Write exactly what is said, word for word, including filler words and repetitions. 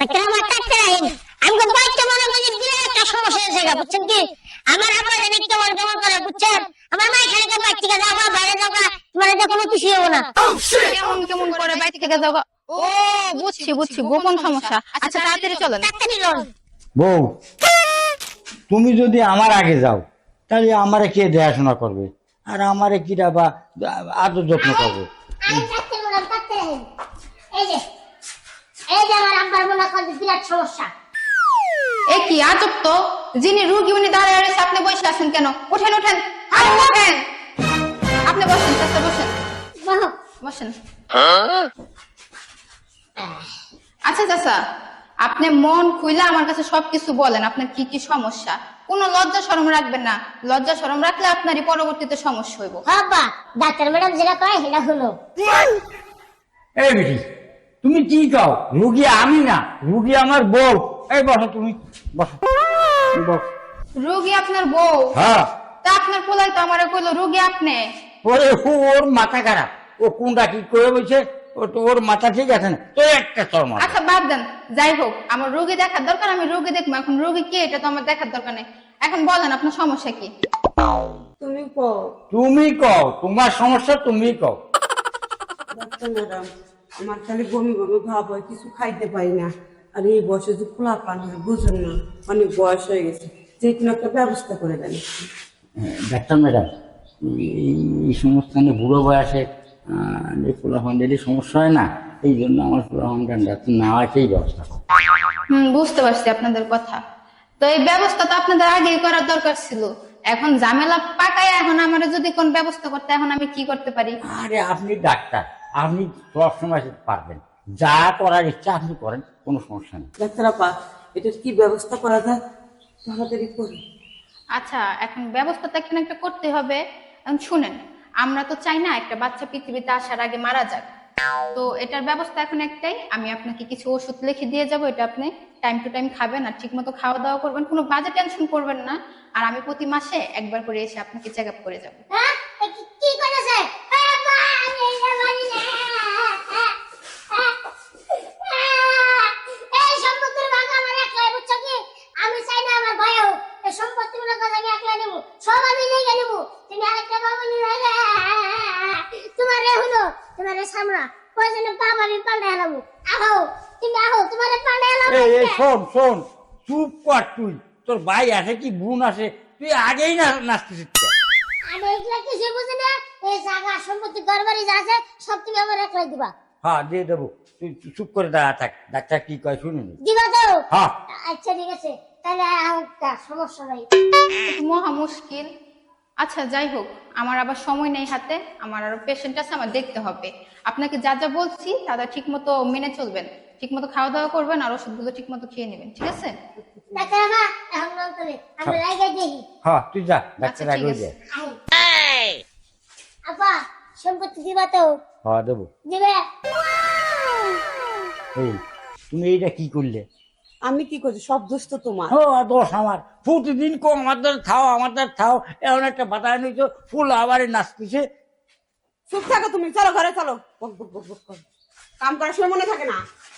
Doctor আমার doctor আইন আমি তো বাইকটা মনে করি বিরাট একটা সমস্যা হয়েছে গা, বুঝছেন কি? আমার আব্বা জানি কেমন কেমন করে, বুঝছেন? আমার মা এখানে তো বাইক থেকে যাওয়া বাইরে যাওয়া তোমার এটা কোনো কিছুই হবো না। কেমন কেমন করে বাইরে থেকে যাও? ও বুঝছি বুঝছি, গোপন সমস্যা। আচ্ছা তাড়াতাড়ি চলেন। ডাক্তারই লোন বউ, তুমি যদি আমার আগে যাও তাহলে আমারে কে দেখাশোনা করবে, আর আমারে কিরা বা আদর যত্ন করবে? আমি ডাক্তার বললাম ডাক্তার আইন এই যে এই যে আমার আব্বার মনে করি বিরাট সমস্যা। এ কি আজব তো, যিনি রোগী উনি দাঁড়িয়ে রয়েছে, আপনি বসে আছেন কেন? উঠেন উঠেন, আরে উঠেন। আপনি বসেন চাচা, বসেন বলো বসেন। আচ্ছা চাচা, আপনি মন খুইলা আমার কাছে সবকিছু বলেন, আপনার কি কি সমস্যা। কোনো লজ্জা শরম রাখবেন না, লজ্জা শরম রাখলে আপনারই পরবর্তীতে সমস্যা হইব। বাবা ডাক্তার ম্যাডাম যেটা কয় সেটা হলো। এই বেটি, তুমি কি কও? রুগী আমি না, রুগী আমার বউ। এই বসো, তুমি বসো বস। রোগী আপনার বউ? হ্যাঁ। তা আপনার পোলাই তো আমারে কইলো রোগী আপনি। ওরে ওর মাথা খারাপ, ও কোনটা কি করে বলছে, ও তো ওর মাথা ঠিক আছে না তো, একটা চরম। আচ্ছা বাদ দেন, যাই হোক, আমার রোগী দেখার দরকার, আমি রোগী দেখবো। এখন রোগী কি এটা তো আমার দেখার দরকার নেই। এখন বলেন আপনার সমস্যা কি? তুমি কও তুমি কও, তোমার সমস্যা তুমি কও। ডাক্তার ম্যাডাম, আমার খালি বমি বমি ভাব হয়, কিছু খাইতে পারি না। আর এই বয়সে যে খোলা পান হয় বুঝুন না, অনেক বয়স হয়ে গেছে, যে কোনো একটা ব্যবস্থা করে দেন। ডাক্তার ম্যাডাম, এই সমস্ত বুড়ো বয়সে পোলাফান্ডেরই সমস্যা হয় না, এই জন্য আমার পোলাফান্ডার নেওয়াকেই ব্যবস্থা করো। হম বুঝতে পারছি আপনাদের কথা। তো এই ব্যবস্থা তো আপনাদের আগেই করার দরকার ছিল। এখন ঝামেলা পাকায় এখন আমার যদি কোন ব্যবস্থা করতে, এখন আমি কি করতে পারি? আরে আপনি ডাক্তার, আপনি সবসময় পারবেন, যা করার ইচ্ছা আপনি করেন, কোনো সমস্যা নেই। ডাক্তার আপা, এটার কি ব্যবস্থা করা যায় তাড়াতাড়ি করে। আচ্ছা, এখন ব্যবস্থা তো এখানে একটা করতে হবে। এখন শুনেন, আমরা তো চাই না একটা বাচ্চা পৃথিবীতে আসার আগে মারা যাক। তো এটার ব্যবস্থা এখন একটাই, আমি আপনাকে কিছু ওষুধ লিখে দিয়ে যাব, এটা আপনি টাইম টু টাইম খাবেন আর ঠিক মতো খাওয়া দাওয়া করবেন, কোনো বাজে টেনশন করবেন না। আর আমি প্রতি মাসে একবার করে এসে আপনাকে চেক আপ করে যাবো। হ্যাঁ এ কি- কি করেছে? আরে মা, আমি এটা মানি না। এই সম্পত্তির ভাগ আমার একলাই, বুঝছো কি? আমি চাই না আমার ভয় হোক। এই সম্পত্তি মনে করে আমি একলাই নেবো, সব আমি নিয়ে নেবো। তুমি আরেকটা বাবা নিয়ে যাবে, তোমার রে হলো, তোমার রে সামনা প্রয়োজনে বাবা আমি পাল্টে এলাবো। আহো তুমি আহো, তোমার পাল্টে এলাবো। এই এই শোন শোন, চুপ কর তুই, তোর ভাই আসে কি বোন আসে, তুই আগেই না নাচতে শিখতে। আমি এগুলা কিছু বুঝি না। এই জায়গা সম্পত্তি ঘর বাড়ি যা আছে সব তুমি আমার একলাই দিবা। হ্যাঁ দিয়ে দেবো, তুই চুপ করে দাঁড়া থাক, ডাক্তার কি কয় শুনে নি। দিবা তো? হ্যাঁ। আচ্ছা ঠিক আছে, তাহলে একটা সমস্যা নাই। মহা মুশকিল। আচ্ছা যাই হোক, আমার আবার সময় নেই হাতে, আমার আরো পেশেন্ট আছে, আমার দেখতে হবে। আপনাকে যা যা বলছি তারা ঠিক মতো মেনে চলবেন, ঠিক মতো খাওয়া দাওয়া করবেন, আর ওষুধগুলো ঠিক মতো খেয়ে নেবেন, ঠিক আছে? ডাক্তার বাবা এখন নাম করে আমরা রাইগা দেখি। হ্যাঁ তুই যা, ডাক্তার আচ্ছা, ঠিক আগে আছে। যা। আপা সম্পত্তি দিবা তো? হ্যাঁ দেবো। দিবে? এই তুমি এইটা কি করলে? আমি কি করছি, সব দোষ তো তোমার। ও দোষ আমার, প্রতিদিন কো আমাদের থাও আমাদের থাও, এমন একটা বাতায় নিয়েছো, ফুল আবার নাচতেছে। চুপ থাকো তুমি, চলো ঘরে চলো। বক বক বক বক করো। কাম করার সময় মনে থাকে না।